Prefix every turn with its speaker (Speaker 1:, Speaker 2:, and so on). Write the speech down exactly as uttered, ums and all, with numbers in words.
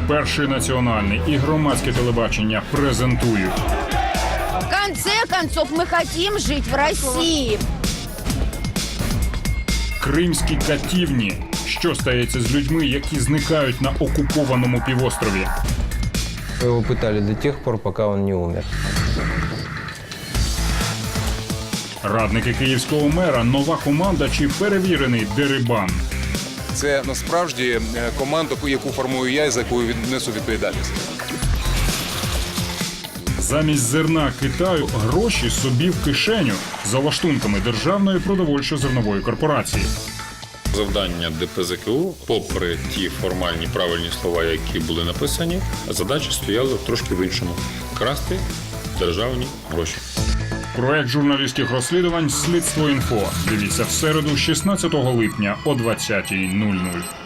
Speaker 1: Перший національний і громадське телебачення презентують.
Speaker 2: В конце концов, мы хотим жить в России.
Speaker 1: Кримські катівні. Що стається з людьми, які зникають на окупованому півострові?
Speaker 3: Его пытали до тех пор, пока он не умер.
Speaker 1: Радники київського мера, нова команда чи перевірений дерибан?
Speaker 4: Це насправді команда, яку формую я і за яку несу відповідальність.
Speaker 1: Замість зерна Китаю гроші собі в кишеню за лаштунками Державної продовольчо-зернової корпорації.
Speaker 5: Завдання ДПЗКУ, попри ті формальні правильні слова, які були написані, задача стояла трошки в іншому – красти державні гроші.
Speaker 1: Проект журналістських розслідувань «Слідство інфо». Дивіться в середу, шістнадцятого липня о двадцятій нуль нуль.